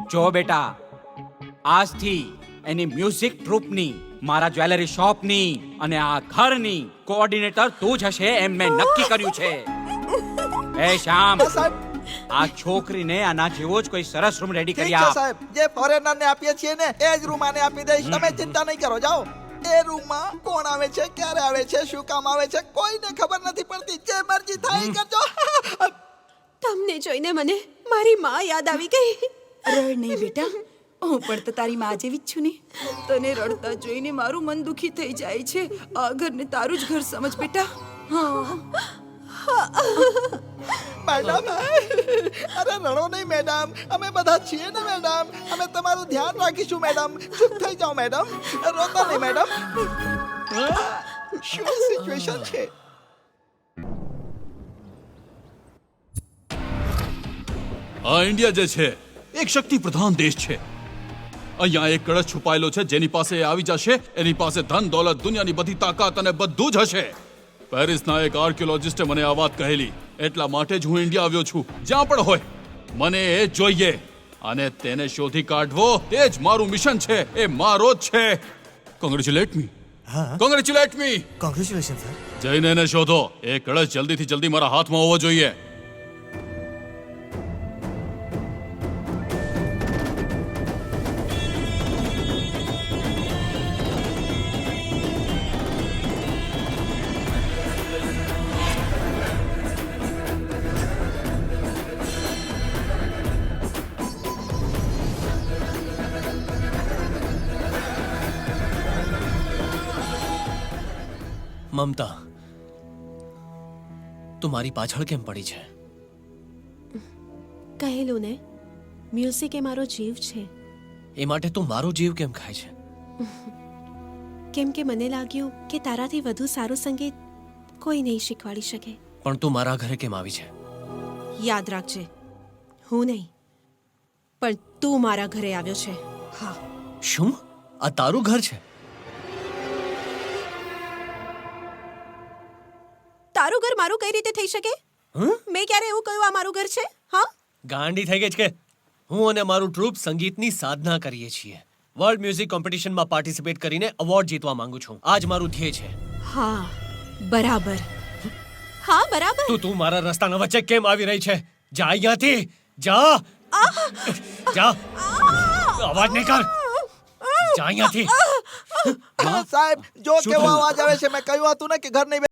જો બેટા, આજથી એની મ્યુઝિક ટ્રુપની, મારા જ્વેલરી શોપની અને આ ઘરની કોઓર્ડિનેટર તું જ હશે એમ મેં નક્કી કર્યું છે. એ શ્યામ, આ છોકરીને આના જેવો જ કોઈ સરસ રૂમ રેડી કરી ઠીક છે આપ. સાહેબ, જે ફોરેનર ને આપીએ છીએ ને એ જ રૂમ આને આપી દઈશ. તમે ચિંતા નહીં કરો, જાઓ. એ રૂમમાં કોણ આવે છે, ક્યારે આવે છે, શું કામ આવે છે, કોઈને ખબર નથી પડતી. જે મરજી થાય એ કરજો. તમને જોઈને મને મારી માં યાદ આવી ગઈ. રડ નહીં બેટા, હું પણ તો તારી માં જેવી જ છું ને. તને રડતા જોઈને મારું મન દુખી થઈ જાય છે. આ ઘરને તારું જ ઘર સમજ બેટા. હા મેડમ, અરે રડો નહીં મેડમ, અમે બધા છીએ ને મેડમ. અમે તમારું ધ્યાન રાખીશું મેડમ. ચૂપ થઈ જાઓ મેડમ, રોતા નહીં મેડમ. શું સિચ્યુએશન છે? આ ઇન્ડિયા જે છે એક શક્તિ પ્રધાન દેશ છે. અહીંયા એક કળશ છુપાયેલો છે, જેની પાસે એ આવી જશે એની પાસે ધન દોલત, દુનિયાની બધી તાકાત અને બધું જ હશે. પેરિસના એક આર્કિયોલોજિસ્ટે મને આ વાત કહેલી, એટલા માટે જ હું ઇન્ડિયા આવ્યો છું. જ્યાં પણ હોય મને એ જોઈએ અને તેને શોધી કાઢવો તે જ મારું મિશન છે. એ મારો જ છે. Congratulate me. Congratulate me. Congratulation sir. જઈને એને શોધો. એ કળશ જલ્દીથી જલ્દી મારા હાથમાં હોવો જોઈએ. મમતા, તું મારી પાછળ કેમ પડી છે? કહેલું ને, મ્યુઝિક એ મારો જીવ છે. એ માટે તું મારો જીવ કેમ ખાય છે? કેમ કે મને લાગ્યું કે તારાથી વધુ સારું સંગીત કોઈ નહીં શીખવાડી શકે. પણ તું મારા ઘરે કેમ આવી છે? યાદ રાખજે, હું નહીં પણ તું મારા ઘરે આવ્યો છે. હા, શું આ તારું ઘર છે? તારું ઘર મારું કઈ રીતે થઈ શકે? મેં ક્યારે એવું કહ્યું આ મારું ઘર છે? હા, ગાંડી થઈ ગઈ છે કે? હું અને મારું ટ્રુપ સંગીતની સાધના કરીએ છીએ. વર્લ્ડ મ્યુઝિક કોમ્પિટિશનમાં પાર્ટિસિપેટ કરીને એવોર્ડ જીતવા માંગુ છું. આ જ મારું ધ્યેય છે. હા, બરાબર. હા, બરાબર. તું મારા રસ્તાના વચ્ચે કેમ આવી રહી છે? જા અહીંયાથી, જા. જા, અવાજ નહીં કર. જા અહીંયાથી. સાહેબ, જો કેવો અવાજ આવે છે. મેં કહ્યું હતું ને કે ઘર નહીં